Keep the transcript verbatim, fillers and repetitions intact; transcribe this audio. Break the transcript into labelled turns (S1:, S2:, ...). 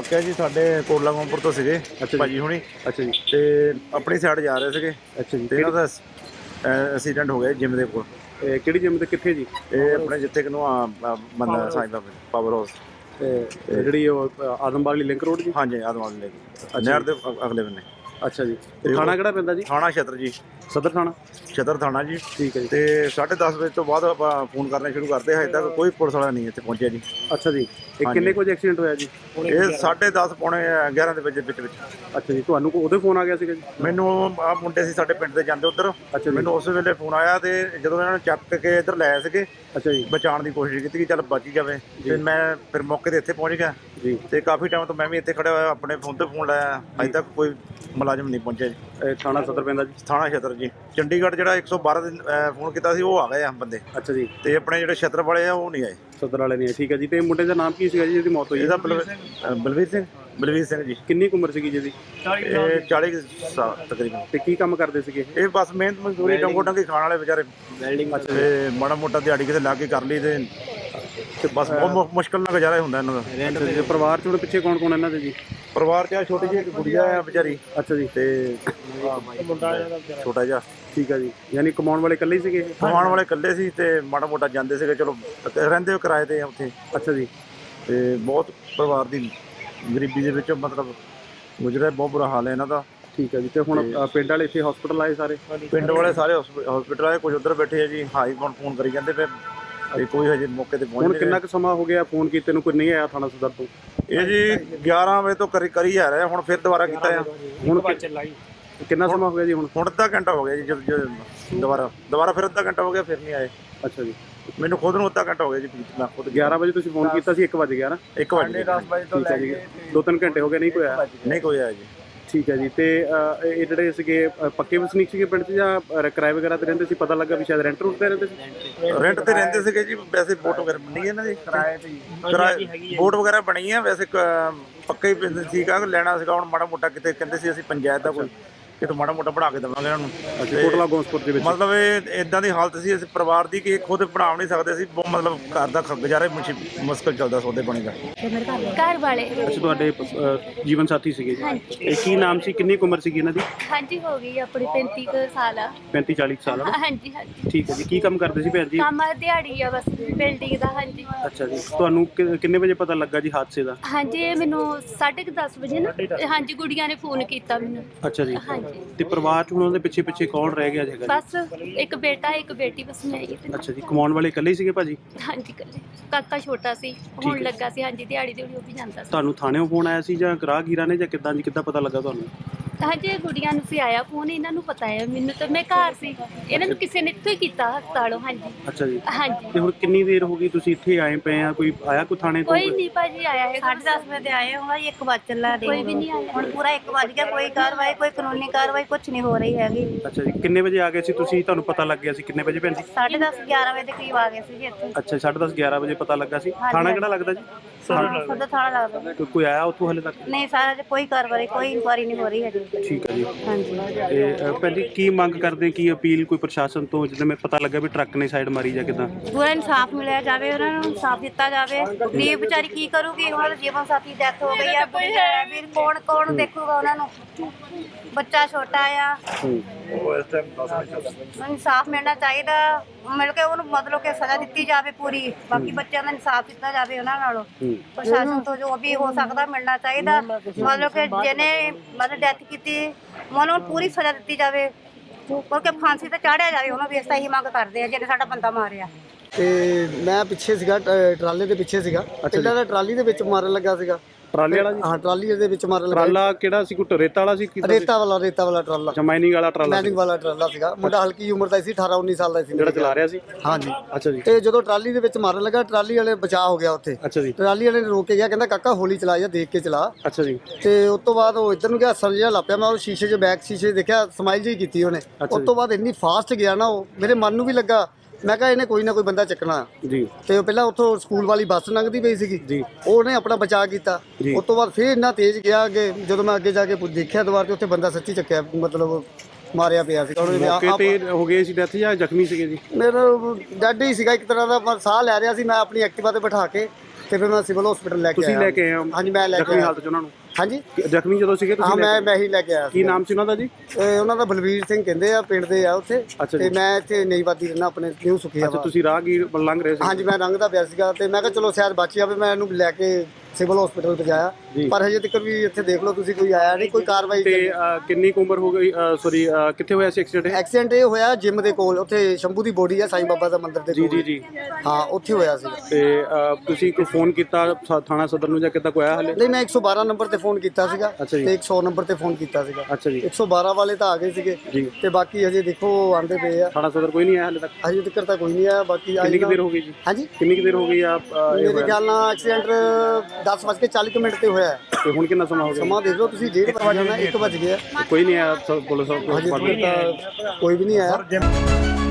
S1: ਵਾਕਿਆ ਜੀ ਸਾਡੇ ਕੋਟਲਾ ਗੋਂਪੁਰ ਤੋਂ ਸੀਗੇ ਭਾਜੀ ਹੁਣੀ।
S2: ਅੱਛਾ ਜੀ।
S1: ਤੇ ਆਪਣੀ ਸਾਈਡ ਜਾ ਰਹੇ ਸੀਗੇ
S2: ਅੱਛਾ ਜੀ।
S1: ਤੇ ਇਹਨਾਂ ਦਾ ਐਕਸੀਡੈਂਟ ਹੋ ਗਿਆ ਜਿਮ ਦੇ ਕੋਲ।
S2: ਇਹ ਕਿਹੜੀ ਜਿਮ ਤੇ ਕਿੱਥੇ ਜੀ?
S1: ਇਹ ਆਪਣੇ ਜਿੱਥੇ ਕਿਨੂੰ ਆ ਬੰਦਾ ਸਾਈਂ ਬਾਬਾ ਪਾਵਰ ਹਾਊਸ
S2: ਤੇ ਜਿਹੜੀ ਉਹ ਆਦਮਬਾਗ ਵਾਲੀ ਲਿੰਕ ਰੋਡ ਜੀ?
S1: ਹਾਂਜੀ ਆਦਮਬਾਗ ਲੈ ਨਹਿਰ ਦੇ ਅਗਲੇ ਬੰਨੇ।
S2: ਅੱਛਾ ਜੀ। ਤੇ ਥਾਣਾ ਕਿਹੜਾ ਪੈਂਦਾ ਜੀ?
S1: ਥਾਣਾ ਛਤਰ ਜੀ,
S2: ਸਦਰ ਥਾਣਾ
S1: ਛਤਰ ਥਾਣਾ ਜੀ।
S2: ਠੀਕ ਹੈ ਜੀ।
S1: ਤੇ ਸਾਢੇ ਦਸ ਵਜੇ ਤੋਂ ਬਾਅਦ ਆਪਾਂ ਫੋਨ ਕਰਨੇ ਸ਼ੁਰੂ ਕਰਦੇ, ਹਜੇ ਤੱਕ ਕੋਈ ਪੁਲਿਸ ਵਾਲਾ ਨਹੀਂ ਇੱਥੇ ਪਹੁੰਚਿਆ ਜੀ।
S2: ਅੱਛਾ ਜੀ। ਇਹ ਕਿੰਨੇ ਕੁ ਵਜੇ ਐਕਸੀਡੈਂਟ ਹੋਇਆ ਜੀ?
S1: ਇਹ ਸਾਢੇ ਦਸ ਪੌਣੇ ਗਿਆਰਾਂ ਦੇ ਵਿੱਚ ਵਿੱਚ ਵਿੱਚ
S2: ਅੱਛਾ ਜੀ। ਤੁਹਾਨੂੰ ਉਹਦੇ ਫੋਨ ਆ ਗਿਆ ਸੀਗਾ ਜੀ?
S1: ਮੈਨੂੰ ਆ ਮੁੰਡੇ ਸੀ ਸਾਡੇ ਪਿੰਡ ਦੇ ਜਾਂਦੇ ਉੱਧਰ।
S2: ਅੱਛਾ।
S1: ਮੈਨੂੰ ਉਸ ਵੇਲੇ ਫੋਨ ਆਇਆ ਤੇ ਜਦੋਂ ਇਹਨਾਂ ਨੂੰ ਚੱਕ ਕੇ ਇੱਧਰ ਲੈ ਸੀਗੇ,
S2: ਅੱਛਾ ਜੀ,
S1: ਬਚਾਉਣ ਦੀ ਕੋਸ਼ਿਸ਼ ਕੀਤੀ ਕਿ ਚੱਲ ਬਚ ਹੀ ਜਾਵੇ। ਤੇ ਮੈਂ ਫਿਰ ਮੌਕੇ ਤੇ ਇੱਥੇ ਪਹੁੰਚ ਗਿਆ
S2: ਜੀ।
S1: ਤੇ ਕਾਫੀ ਟਾਈਮ ਤੋਂ ਮੈਂ ਵੀ ਇੱਥੇ ਖੜਿਆ ਹੋਇਆ, ਆਪਣੇ ਫੋਨ ਤੇ ਫੋਨ ਲਾਇਆ, ਅਜੇ ਤੱਕ ਕੋਈ ਮੁਲਾਜ਼ਮ ਨਹੀਂ ਪਹੁੰਚਿਆ ਜੀ।
S2: ਇਹ ਥਾਣਾ ਸਦਰ ਪੈਂਦਾ ਜੀ?
S1: ਥਾਣਾ ਛਤਰ ਜੀ। ਚੰਡੀਗੜ੍ਹ ਜਿਹੜਾ ਇੱਕ ਸੌ ਬਾਰਾਂ ਦੇ ਫੋਨ ਕੀਤਾ ਸੀ ਉਹ ਆ ਗਏ ਆ ਬੰਦੇ।
S2: ਅੱਛਾ ਜੀ।
S1: ਤੇ ਆਪਣੇ ਜਿਹੜੇ ਛਤਰ ਵਾਲੇ ਆ ਉਹ ਨਹੀਂ ਆਏ।
S2: ਸਦਰ ਵਾਲੇ ਨਹੀਂ? ਠੀਕ ਹੈ ਜੀ। ਤੇ ਮੁੰਡੇ ਦਾ ਨਾਮ ਕੀ ਸੀਗਾ ਜੀ ਜਿਹਦੀ ਮੌਤ ਹੋਈ?
S1: ਇਹਦਾ ਬਲਵੀਰ ਸਿੰਘ। ਬਲਵੀਰ ਸਿੰਘ ਜੀ।
S2: ਕਿੰਨੀ ਕੁ ਉਮਰ ਸੀਗੀ ਜਿਹਦੀ?
S1: ਇਹ ਚਾਲੀ ਸਾਲ ਤਕਰੀਬਨ।
S2: ਤੇ ਕੀ ਕੰਮ ਕਰਦੇ ਸੀਗੇ ਇਹ?
S1: ਬਸ ਮਿਹਨਤ ਮਜ਼ਦੂਰੀ ਡੰਗੋ ਡੰਗੀ ਖਾਣ ਵਾਲੇ ਵਿਚਾਰੇ।
S2: ਵੈਲਡਿੰਗ।
S1: ਤੇ ਮਾੜਾ ਮੋਟਾ ਦਿਹਾੜੀ ਕਿਤੇ ਲਾ ਕੇ ਕਰ ਲਈ ਤੇ ਤੇ ਬਸ ਬਹੁਤ ਮੁਸ਼ਕਲ ਨਾਲ ਗੁਜ਼ਾਰਾ ਹੁੰਦਾ ਇਹਨਾਂ ਦਾ।
S2: ਤੇ ਪਰਿਵਾਰ ਚ ਹੁਣ ਪਿੱਛੇ ਕੌਣ ਕੌਣ ਇਹਨਾਂ ਦੇ ਜੀ?
S1: ਪਰਿਵਾਰ ਚ ਆ ਛੋਟੀ ਜਿਹੀ ਇੱਕ ਗੁੜੀਆ ਆ ਵਿਚਾਰੀ।
S2: ਅੱਛਾ ਜੀ।
S1: ਤੇ ਮੁੰਡਾ ਛੋਟਾ ਜਿਹਾ।
S2: ਠੀਕ ਹੈ ਜੀ। ਯਾਨੀ ਕਮਾਉਣ ਵਾਲੇ ਇਕੱਲੇ ਹੀ ਸੀਗੇ?
S1: ਕਮਾਉਣ ਵਾਲੇ ਇਕੱਲੇ ਸੀ ਤੇ ਮਾੜਾ ਮੋਟਾ ਜਾਂਦੇ ਸੀਗੇ, ਚਲੋ ਰਹਿੰਦੇ ਕਿਰਾਏ ਤੇ ਆ ਉੱਥੇ।
S2: ਅੱਛਾ ਜੀ।
S1: ਤੇ ਬਹੁਤ ਪਰਿਵਾਰ ਦੀ ਗਰੀਬੀ ਦੇ ਵਿੱਚ ਮਤਲਬ ਗੁਜ਼ਰਿਆ, ਬਹੁਤ ਬੁਰਾ ਹਾਲ ਹੈ ਇਹਨਾਂ ਦਾ।
S2: ਠੀਕ ਹੈ ਜੀ। ਤੇ ਹੁਣ ਪਿੰਡ ਵਾਲੇ ਇੱਥੇ ਹਸਪੀਟਲ ਆਏ ਸਾਰੇ?
S1: ਪਿੰਡ ਵਾਲੇ ਸਾਰੇ ਹਸਪੀਟਲ ਆਏ, ਕੁਝ ਉੱਧਰ ਬੈਠੇ ਆ ਜੀ। ਹਾਈ ਫੋਨ ਫੋਨ ਕਰੀ ਜਾਂਦੇ ਪਏ ਤੇ ਕੋਈ ਹਜੇ ਮੌਕੇ ਤੇ ਪਹੁੰਚ
S2: ਹੁਣ
S1: ਨਹੀਂ।
S2: ਕਿੰਨਾ ਕੁ ਸਮਾਂ ਹੋ ਗਿਆ ਫੋਨ ਕੀਤੇ ਨੂੰ, ਕੋਈ ਨਹੀਂ ਆਇਆ ਥਾਣਾ ਸਦਰ ਤੋਂ?
S1: ਇਹ ਜੀ ਗਿਆਰਾਂ ਵਜੇ ਤੋਂ ਕਰੀ ਕਰੀ ਆ ਰਿਹਾ, ਹੁਣ ਫਿਰ ਦੁਬਾਰਾ ਕੀਤਾ ਆ।
S2: ਹੁਣ ਕਿੰਨਾ ਸਮਾਂ ਹੋ ਗਿਆ ਜੀ? ਹੁਣ
S1: ਹੁਣ ਅੱਧਾ ਘੰਟਾ ਹੋ ਗਿਆ ਜੀ। ਜਦੋਂ ਦੁਬਾਰਾ ਦੁਬਾਰਾ ਫਿਰ ਅੱਧਾ ਘੰਟਾ ਹੋ ਗਿਆ, ਫਿਰ ਨਹੀਂ ਆਏ।
S2: ਅੱਛਾ ਜੀ।
S1: ਮੈਨੂੰ ਖੁਦ ਨੂੰ ਅੱਧਾ ਘੰਟਾ ਹੋ ਗਿਆ ਜੀ। ਮੈਂ ਖੁਦ
S2: ਗਿਆਰਾਂ ਵਜੇ ਤੁਸੀਂ ਫੋਨ ਕੀਤਾ ਸੀ, ਇੱਕ ਵੱਜ ਗਿਆ ਨਾ?
S1: ਇੱਕ ਵਜੇ।
S2: ਠੀਕ ਹੈ ਜੀ। ਦੋ ਤਿੰਨ ਘੰਟੇ ਹੋ ਗਏ, ਨਹੀਂ ਕੋਈ ਆਇਆ?
S1: ਨਹੀਂ ਕੋਈ ਆਇਆ ਜੀ।
S2: ਠੀਕ ਹੈ ਜੀ। ਤੇ ਇਹ ਜਿਹੜੇ ਸੀਗੇ ਪੱਕੇ ਵਸਨੀਕ ਸੀਗੇ ਪਿੰਡ 'ਚ ਜਾਂ ਕਿਰਾਏ ਵਗੈਰਾ ਤੇ ਰਹਿੰਦੇ ਸੀ? ਪਤਾ ਲੱਗਾ ਵੀ ਸ਼ਾਇਦ ਰੈਂਟ ਰੂਟ ਤੇ ਰਹਿੰਦੇ ਸੀ?
S1: ਰੈਂਟ ਤੇ ਰਹਿੰਦੇ ਸੀਗੇ ਜੀ। ਵੈਸੇ ਬੋਟ ਵਗੈਰਾ ਬਣੀ ਹੈ ਇਹਨਾਂ ਦੀ, ਕਿਰਾਏ ਤੇ ਕਿਰਾਏ ਬੋਟ ਵਗੈਰਾ ਬਣੀ ਹੈ। ਵੈਸੇ ਪੱਕਾ ਹੀ ਸੀਗਾ, ਲੈਣਾ ਸੀਗਾ। ਹੁਣ ਮਾੜਾ ਮੋਟਾ ਕਿਤੇ ਕਹਿੰਦੇ ਸੀ ਅਸੀਂ ਪੰਚਾਇਤ ਦਾ ਕੋਈ ਕਿਤੇ ਮਾੜਾ ਮੋਟਾ ਬਣਾ ਕੇ ਦੇਵਾਂਗੇ ਇਹਨਾਂ ਨੂੰ।
S2: ਕੋਟਲਾ ਗੋਂਸਪੁਰ ਦੇ ਵਿੱਚ
S1: ਮਤਲਬ ਇਹ ਇਦਾਂ ਦੀ ਹਾਲਤ ਸੀ ਇਸ ਪਰਿਵਾਰ ਦੀ ਕਿ ਖੁਦ ਬਣਾ ਨਹੀਂ ਸਕਦੇ ਸੀ। ਮਤਲਬ ਘਰ ਦਾ ਗੁਜ਼ਾਰਾ ਮੁਸ਼ਕਲ ਚੱਲਦਾ, ਸੌਦੇ ਪਾਣੀ ਦਾ।
S3: ਘਰ ਵਾਲੇ।
S2: ਅੱਛਾ, ਤੁਹਾਡੇ ਜੀਵਨ ਸਾਥੀ ਸੀਗੇ ਜੀ? ਇਹ ਕੀ ਨਾਮ ਸੀ, ਕਿੰਨੀ ਕੁ ਉਮਰ ਸੀਗੀ ਇਹਨਾਂ ਦੀ?
S3: ਹਾਂਜੀ ਹੋ ਗਈ ਆਪਣੀ ਪੈਂਤੀ ਕੁ ਸਾਲ ਆ।
S2: ਪੈਂਤੀ ਚਾਲੀ ਸਾਲ?
S3: ਹਾਂਜੀ ਹਾਂਜੀ।
S2: ਠੀਕ ਹੈ ਜੀ। ਕੀ ਕੰਮ ਕਰਦੇ ਸੀ ਭੈਣ ਜੀ?
S3: ਕੰਮ ਦਿਹਾੜੀ ਆ ਬਸ, ਬਿਲਡਿੰਗ ਦਾ। ਹਾਂਜੀ।
S2: ਅੱਛਾ ਜੀ। ਤੁਹਾਨੂੰ ਕਿੰਨੇ ਵਜੇ ਪਤਾ ਲੱਗਾ ਜੀ ਹਾਦਸੇ ਦਾ?
S3: ਹਾਂਜੀ, ਇਹ ਮੈਨੂੰ ਸਾਢੇ ਕੁ ਦਸ ਵਜੇ ਨਾ, ਹਾਂਜੀ, ਗੁੜੀਆਂ ਨੇ ਫੋਨ ਕੀਤਾ ਮੈਨੂੰ।
S2: ਅੱਛਾ ਜੀ।
S3: ਹਾਂਜੀ।
S2: ਤੇ ਪਰਿਵਾਰ ਚ ਹੁਣ ਉਹਦੇ ਪਿੱਛੇ ਪਿੱਛੇ ਕੌਣ ਰਹਿ ਗਿਆ ਜੇਗਾ?
S3: ਬਸ ਇੱਕ ਬੇਟਾ ਇੱਕ ਬੇਟੀ, ਬਸ ਮੈਂ ਹੀ।
S2: ਅੱਛਾ ਜੀ। ਕਮਾਉਣ ਵਾਲੇ ਇਕੱਲੇ ਹੀ ਸੀਗੇ ਭਾਜੀ?
S3: ਹਾਂਜੀ ਇਕੱਲੇ। ਕਾਕਾ ਛੋਟਾ ਸੀ, ਹੁਣ ਲੱਗਾ ਸੀ। ਹਾਂਜੀ, ਦਿਹਾੜੀ ਦਿਹੜੀ ਉਹ ਵੀ ਜਾਂਦਾ ਸੀ।
S2: ਤੁਹਾਨੂੰ ਥਾਣੇੋਂ ਫੋਨ ਆਇਆ ਸੀ ਜਾਂ ਗ੍ਰਾਹਕੀਰਾਂ ਨੇ, ਜਾਂ ਕਿੱਦਾਂ ਜੀ? ਕਿੱਦਾਂ ਪਤਾ ਲੱਗਾ ਤੁਹਾਨੂੰ?
S3: ਹਾਂਜੀ, ਗੁੜੀਆਂ ਨੂੰ ਸੀ ਆਇਆ ਫੋਨ, ਇਹਨਾਂ ਨੂੰ ਪਤਾ ਹੈ। ਮੈਨੂੰ ਤਾਂ ਮੈਂ ਘਰ ਸੀ, ਇਹਨਾਂ ਨੂੰ ਕਿਸੇ ਨੇ ਇੱਥੋਂ ਹੀ ਕੀਤਾ ਹਸਪਤਾਲੋਂ। ਹਾਂਜੀ।
S2: ਅੱਛਾ ਜੀ।
S3: ਹਾਂਜੀ।
S2: ਤੇ ਹੁਣ ਕਿੰਨੀ ਦੇਰ ਹੋ ਗਈ ਤੁਸੀਂ ਇੱਥੇ ਆਏ ਪਏ ਆ? ਕੋਈ ਆਇਆ ਕੋਈ ਥਾਣੇ ਤੋਂ?
S3: ਕੋਈ ਨਹੀਂ ਭਾਜੀ ਆਇਆ ਹੈ।
S4: ਸਾਢੇ ਦਸ ਵਜੇ ਆਏ ਹੁਣ, ਇੱਕ ਵੱਜ ਚੱਲਾ।
S3: ਕੋਈ ਵੀ ਨਹੀਂ ਆਇਆ।
S4: ਹੁਣ ਪੂਰਾ ਇੱਕ ਵੱਜ ਗਿਆ, ਕੋਈ ਕਾਰਵਾਈ, ਕੋਈ ਕਾਨੂੰਨੀ ਕਾਰਵਾਈ ਕੁਝ ਨਹੀਂ ਹੋ ਰਹੀ ਹੈਗੀ।
S2: ਅੱਛਾ ਜੀ। ਕਿੰਨੇ ਵਜੇ ਆ ਗਏ ਸੀ ਤੁਸੀਂ? ਤੁਹਾਨੂੰ ਪਤਾ ਲੱਗ ਗਿਆ ਸੀ ਕਿੰਨੇ ਵਜੇ ਭੈਣ ਜੀ?
S4: ਸਾਢੇ ਦਸ ਗਿਆਰਾਂ ਵਜੇ ਦੇ ਕਰੀਬ ਆ ਗਏ ਸੀ ਜੀ ਇੱਥੇ।
S2: ਅੱਛਾ, ਸਾਢੇ ਦਸ ਗਿਆਰਾਂ ਵਜੇ ਪਤਾ ਲੱਗਾ ਸੀ। ਥਾਣਾ ਕਿਹੜਾ ਲੱਗਦਾ ਜੀ?
S4: ਸਦਰ ਥਾਣਾ ਲੱਗਦਾ।
S2: ਕੋਈ- ਕੋਈ ਆਇਆ ਉੱਥੋਂ ਹਲੇ ਤੱਕ?
S4: ਨਹੀਂ, ਸਾਰਾ ਜੀ ਕੋਈ ਕਾਰਵਾਈ, ਕੋਈ ਇਨਕੁਆਰੀ ਨਹੀਂ ਹੋ ਰਹੀ ਹੈਗੀ।
S2: ਠੀਕ ਹੈ ਜੀ।
S4: ਹਾਂਜੀ।
S2: ਤੇ ਅ, ਭੈਣ ਜੀ ਕੀ ਮੰਗ ਕਰਦੇ, ਕੀ ਅਪੀਲ ਕੋਈ ਪ੍ਰਸ਼ਾਸਨ ਤੋਂ? ਜਿੱਦਾਂ ਮੈਂ ਪਤਾ ਲੱਗਾ ਵੀ ਟਰੱਕ ਨੇ ਸਾਈਡ ਮਾਰੀ ਜਾਂ ਕਿੱਦਾਂ?
S4: ਪੂਰਾ ਇਨਸਾਫ ਮਿਲਿਆ ਜਾਵੇ, ਉਹਨਾਂ ਨੂੰ ਇਨਸਾਫ ਦਿੱਤਾ ਜਾਵੇ। ਗਰੀਬ ਵਿਚਾਰੀ ਕੀ ਕਰੂਗੀ? ਉਹਨਾਂ ਦਾ ਜੀਵਨ ਸਾਥੀ ਡੈਥ ਹੋ ਗਈ ਆ, ਵੀ ਕੌਣ ਕੌਣ ਦੇਖੂਗਾ ਉਹਨਾਂ ਨੂੰ? ਬੱਚਾ ਛੋਟਾ ਆ। ਇਨਸਾਫ ਮਿਲਣਾ ਚਾਹੀਦਾ, ਮਿਲ ਕੇ ਉਹਨੂੰ ਮਤਲਬ ਕਿ ਸਜ਼ਾ ਦਿੱਤੀ ਜਾਵੇ ਪੂਰੀ। ਬਾਕੀ ਬੱਚਿਆਂ ਦਾ ਇਨਸਾਫ ਦਿੱਤਾ ਜਾਵੇ ਉਹਨਾਂ ਨਾਲੋਂ। ਪ੍ਰਸ਼ਾਸਨ ਤੋਂ ਜੋ ਵੀ ਹੋ ਸਕਦਾ ਮਿਲਣਾ ਚਾਹੀਦਾ। ਮਤਲਬ ਕਿ ਜਿਹਨੇ ਮਤਲਬ ਡੈਥ ਕੀਤੀ ਉਹਨੂੰ ਪੂਰੀ ਸਜ਼ਾ ਦਿੱਤੀ ਜਾਵੇ, ਕਿਉਂਕਿ ਫਾਂਸੀ ਤੇ ਚਾੜਿਆ ਜਾਵੇ ਉਹਨੂੰ ਵੀ। ਇਸ ਤਾਂ ਇਹੀ ਮੰਗ ਕਰਦੇ ਆ ਜਿਹਨੇ ਸਾਡਾ ਬੰਦਾ ਮਾਰਿਆ।
S5: ਤੇ ਮੈਂ ਪਿੱਛੇ ਸੀਗਾ, ਟਰਾਲੇ ਦੇ ਪਿੱਛੇ ਸੀਗਾ। ਇਹਨਾਂ ਦਾ ਟਰਾਲੀ ਦੇ ਵਿੱਚ ਮਾਰਨ ਲੱਗਾ ਸੀਗਾ।
S2: ਟਰਾਲੇ ਵਾਲਾ ਜੀ?
S5: ਹਾਂ, ਟਰਾਲੀ ਦੇ ਵਿੱਚ ਮਾਰਨ ਲੱਗਾ।
S2: ਟਰਾਲਾ ਕਿਹੜਾ ਸੀ? ਕੋਈ ਰੇਤਾ ਵਾਲਾ ਸੀ?
S5: ਰੇਤਾ ਵਾਲਾ ਰੇਤਾ ਵਾਲਾ ਟਰਾਲਾ,
S2: ਮਾਈਨਿੰਗ ਵਾਲਾ ਟਰਾਲਾ?
S5: ਮਾਈਨਿੰਗ ਵਾਲਾ ਟਰਾਲਾ ਸੀਗਾ। ਮੁੰਡਾ ਹਲਕੀ ਉਮਰ ਦਾ ਸੀ, ਅਠਾਰਾਂ ਉੱਨੀ ਸਾਲ ਦਾ ਸੀ
S2: ਜਿਹੜਾ ਚਲਾ ਰਿਹਾ ਸੀ?
S5: ਹਾਂਜੀ।
S2: ਅੱਛਾ ਜੀ।
S5: ਤੇ ਜਦੋਂ ਟਰਾਲੀ ਦੇ ਵਿੱਚ ਮਾਰਨ ਲੱਗਾ, ਟਰਾਲੀ ਵਾਲੇ ਬਚਾਅ ਹੋ ਗਿਆ ਉੱਥੇ।
S2: ਅੱਛਾ ਜੀ।
S5: ਟਰਾਲੀ ਵਾਲੇ ਨੇ ਰੋਕ ਕੇ ਗਿਆ, ਕਹਿੰਦਾ ਕਾਕਾ ਹੌਲੀ ਚਲਾ ਜਾ, ਦੇਖ ਕੇ ਚਲਾ।
S2: ਅੱਛਾ ਜੀ।
S5: ਤੇ ਉਸ ਤੋਂ ਬਾਅਦ ਉਹ ਇੱਧਰ ਨੂੰ ਗਿਆ, ਹੱਸਣ ਜਿਹਾ ਲੱਪਿਆ। ਮੈਂ ਉਹ ਸ਼ੀਸ਼ੇ 'ਚ ਬੈਕ ਸ਼ੀਸ਼ੇ ਦੇਖਿਆ, ਸਮਾਈਲ ਜਿਹੀ ਕੀਤੀ ਉਹਨੇ। ਉਸ ਤੋਂ ਬਾਅਦ ਇੰਨੀ ਫਾਸਟ ਗਿਆ ਨਾ ਉਹ, ਮੇਰੇ ਮਨ ਨੂੰ ਵੀ ਲੱਗਾ, ਮੈਂ ਕਿਹਾ ਇਹਨੇ ਕੋਈ ਨਾ ਕੋਈ ਬੰਦਾ ਚੱਕਣਾ
S2: ਜੀ।
S5: ਤੇ ਉਹ ਪਹਿਲਾਂ ਉੱਥੋਂ ਸਕੂਲ ਵਾਲੀ ਬੱਸ ਲੰਘਦੀ ਪਈ ਸੀਗੀ
S2: ਜੀ,
S5: ਉਹਨੇ ਆਪਣਾ ਬਚਾਅ ਕੀਤਾ। ਉਸ ਤੋਂ ਬਾਅਦ ਫਿਰ ਇੰਨਾ ਤੇਜ਼ ਗਿਆ ਅੱਗੇ, ਜਦੋਂ ਮੈਂ ਅੱਗੇ ਜਾ ਕੇ ਦੇਖਿਆ ਦੁਬਾਰ ਤੇ ਉੱਥੇ ਬੰਦਾ ਸੱਚੀ ਚੱਕਿਆ, ਮਤਲਬ ਮਾਰਿਆ ਪਿਆ ਸੀ।
S2: ਮੌਕੇ ਤੇ ਹੋ ਗਏ ਸੀ ਡੈਥ ਜਾਂ ਜ਼ਖਮੀ ਸੀਗੇ ਜੀ?
S5: ਮੇਰਾ ਡੈਡ ਹੀ ਸੀਗਾ ਇੱਕ ਤਰ੍ਹਾਂ ਦਾ, ਸਾਹ ਲੈ ਰਿਹਾ ਸੀ। ਮੈਂ ਆਪਣੀ ਐਕਟਿਵਾ ਤੇ ਬਿਠਾ ਕੇ ਤੇ ਫਿਰ ਮੈਂ ਸਿਵਲ ਹਸਪੀਟਲ ਲੈ ਕੇ
S2: ਤੁਸੀਂ
S5: ਆਇਆ।
S2: ਲੈ ਕੇ ਆਏ ਹੋ
S5: ਹਾਂਜੀ ਮੈਂ ਲੈ ਕੇ
S2: ਜ਼ਖਮੀ
S5: ਆਇਆ।
S2: ਹਾਲਤ ਚ ਉਹਨਾਂ ਨੂੰ?
S5: ਹਾਂਜੀ
S2: ਜ਼ਖਮੀ ਜਦੋਂ ਸੀਗੇ
S5: ਹਾਂ
S2: ਤੁਸੀਂ ਲੈ
S5: ਮੈਂ
S2: ਕੇ-
S5: ਮੈਂ ਹੀ ਲੈ ਕੇ ਆਇਆ
S2: ਕੀ
S5: ਸੀ।
S2: ਨਾਮ ਸੀ ਉਹਨਾਂ ਦਾ ਜੀ?
S5: ਇਹ ਉਹਨਾਂ ਦਾ ਬਲਵੀਰ ਸਿੰਘ ਕਹਿੰਦੇ ਆ, ਪਿੰਡ ਦੇ ਆ ਉੱਥੇ।
S2: ਅੱਛਾ
S5: ਤੇ
S2: ਜੀ।
S5: ਮੈਂ ਇੱਥੇ ਨਈਵਾਦੀ ਰਹਿਣਾ ਆਪਣੇ ਨਿਊ ਸੁਖੀਆ
S2: ਅੱਛਾ ਤੁਸੀਂ ਰਾਹਗੀਰ ਲੰਘ ਰਹੇ ਸੀ?
S5: ਹਾਂਜੀ ਮੈਂ ਲੰਘਦਾ ਪਿਆ ਸੀਗਾ ਤੇ ਮੈਂ ਕਿਹਾ ਚਲੋ ਸ਼ਾਇਦ ਬਚ ਜਾਵੇ, ਮੈਂ ਇਹਨੂੰ ਲੈ ਕੇ ਸਿਵਲ ਹਸਪੀਟਲ ਪਹੁੰਚਾਇਆ।
S2: ਜੀ।
S5: ਪਰ ਹਜੇ ਤੱਕ ਵੀ ਇੱਥੇ ਦੇਖ ਲਓ ਤੁਸੀਂ, ਕੋਈ ਆਇਆ ਨਹੀਂ, ਕੋਈ ਕਾਰਵਾਈ
S2: ਤੇ ਅ, ਕਿੰਨੀ ਕੁ ਉਮਰ ਹੋ ਗਈ? ਸੌਰੀ ਕਿੱਥੇ ਹੋਇਆ ਸੀ ਐਕਸੀਡੈਂਟ?
S5: ਐਕਸੀਡੈਂਟ ਇਹ ਹੋਇਆ ਜਿਮ ਦੇ ਕੋਲ, ਉੱਥੇ ਸ਼ੰਭੂ ਦੀ ਬੋਡੀ ਆ ਸਾਈਂ ਬਾਬਾ ਦਾ ਮੰਦਿਰ ਦੇ
S2: ਜੀ
S5: ਕੋਲ।
S2: ਜੀ ਜੀ।
S5: ਹਾਂ ਉੱਥੇ ਹੋਇਆ ਸੀ।
S2: ਤੇ ਅ, ਤੁਸੀਂ ਕੋਈ ਫੋਨ ਕੀਤਾ ਥਾ- ਥਾਣਾ ਸਦਰ ਨੂੰ ਜਾਂ ਕਿੱਦਾਂ ਕੋਈ ਆਇਆ ਹਲੇ?
S5: ਨਹੀਂ ਮੈਂ ਇੱਕ ਸੌ ਬਾਰਾਂ ਨੰਬਰ ਤੇ ਫੋਨ ਕੀਤਾ ਸੀਗਾ
S2: ਅੱਛਾ ਜੀ।
S5: ਤੇ ਇੱਕ ਸੌ ਨੰਬਰ ਤੇ ਫੋਨ ਕੀਤਾ ਸੀਗਾ।
S2: ਅੱਛਾ ਜੀ।
S5: ਇੱਕ ਸੌ ਬਾਰਾਂ ਵਾਲੇ ਤਾਂ ਆ ਗਏ ਸੀਗੇ
S2: ਜੀ।
S5: ਤੇ ਬਾਕੀ ਹਜੇ ਦੇਖੋ ਆਂਦੇ ਪਏ ਆ।
S2: ਥਾਣਾ ਸਦਰ ਕੋਈ ਨਹੀਂ ਆਇਆ ਹਲੇ ਤੱਕ?
S5: ਹਜੇ ਤੱਕ ਤਾਂ ਕੋਈ ਨਹੀਂ ਆਇਆ। ਬਾਕੀ
S2: ਕਿੰਨੀ ਕੁ
S5: ਆਈ
S2: ਦੇਰ ਹੋ ਗਈ ਜੀ?
S5: ਹਾਂਜੀ
S2: ਕਿੰਨੀ ਕੁ ਦੇਰ ਹੋ ਗਈ ਆ ਅ, ਇਹ
S5: ਮੇਰੇ
S2: ਹੋਇਆ?
S5: ਖਿਆਲ ਨਾਲ ਐਕਸੀਡੈਂਟ ਦਸ ਵੱਜ ਕੇ ਚਾਲੀ ਮਿੰਟ ਤੇ ਹੋਇਆ ਹੈ।
S2: ਤੇ ਹੁਣ ਕਿੰਨਾ ਸਮਾਂ ਹੋ ਗਿਆ?
S5: ਸਮਾਂ ਦੇਖ ਲਓ ਤੁਸੀਂ, ਡੇਢ ਵਜੇ ਜਾਣਾ, ਇੱਕ ਵੱਜ ਗਿਆ।
S2: ਕੋਈ ਨਹੀਂ ਆਇਆ ਸ- ਪੁਲਿਸ
S5: ਹਜੇ
S2: ਵਾਲੇ?
S5: ਤੱਕ ਤਾਂ ਕੋਈ ਵੀ ਨਹੀਂ ਆਇਆ।